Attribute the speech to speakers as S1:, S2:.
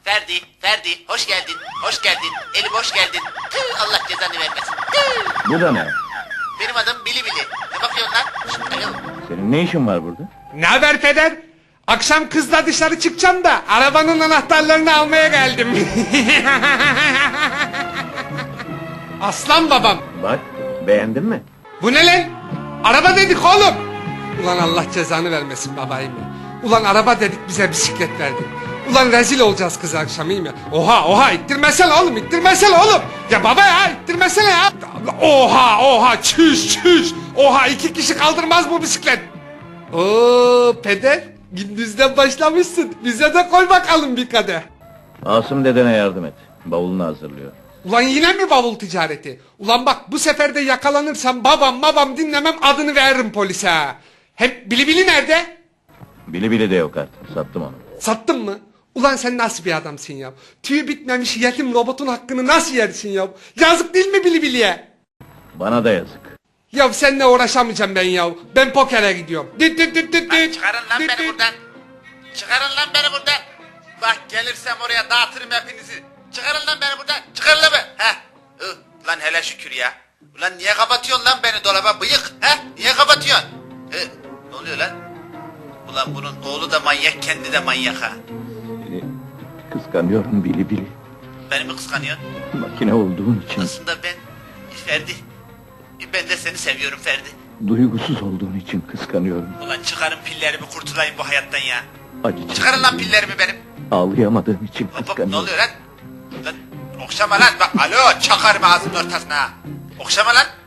S1: Ferdi, hoş geldin, hoş geldin, eli boş geldin. Tüh, Allah cezanı vermesin. Tüh.
S2: Bu da ne?
S1: Benim adım Bili Bili. Ne bakıyorsun lan? Şşt, alo.
S2: Senin ne işin var burada?
S3: Ne haber peder? Akşam kızla dışarı çıkacağım da arabanın anahtarlarını almaya geldim. Aslan babam.
S2: Bak, beğendin mi?
S3: Bu ne lan? Araba dedik oğlum. Ulan Allah cezanı vermesin babayım ya. Ulan araba dedik bize bisiklet verdin. Ulan rezil olacağız kız akşam iyi mi? Oha ittirmesene oğlum ittirmesene oğlum. Ya baba ya ittirmesene ya. Oha çüş. Oha 2 kişi kaldırmaz bu bisiklet. Oo peder gündüzden başlamışsın. Bize de koy bakalım bir kadeh.
S2: Asım dedene yardım et. Bavulunu hazırlıyor.
S3: Ulan yine mi bavul ticareti? Ulan bak bu sefer de yakalanırsam babam dinlemem adını veririm polise ha. Hem Bili nerede?
S2: Bili de yok artık. Sattım onu.
S3: Sattın mı? Ulan sen nasıl bir adamsın ya? Tüyü bitmemiş yetim robotun hakkını nasıl yersin ya? Yazık değil mi Bili'ye?
S2: Bana da yazık.
S3: Ya seninle uğraşamayacağım ben ya. Ben pokere gidiyorum.
S1: Lan çıkarın lan beni buradan. Çıkarın lan beni buradan. Bak gelirsem oraya dağıtırım hepinizi. Çıkarın lan beni buradan. Çıkarın lan beni. Heh. Lan hele şükür ya. Ulan niye kapatıyorsun lan beni dolaba bıyık? He? Niye kapatıyorsun? Ne oluyor lan? Ulan bunun oğlu da manyak, kendi de manyak ha.
S2: Seni kıskanıyorum Bili.
S1: Beni mi kıskanıyorsun?
S2: Makine olduğun için,
S1: Aslında ben Ferdi. Ben de seni seviyorum Ferdi.
S2: duygusuz olduğun için kıskanıyorum.
S1: Ulan çıkarın pillerimi, kurtulayım bu hayattan ya.
S2: Acı
S1: Çıkarın lan pillerimi benim.
S2: Ağlayamadığım için
S1: Hop hop, ne
S2: kıskanıyorum.
S1: oluyor lan? Lan okşama lan bak, alo çakarım ağzının ortasına ha. Okşama lan.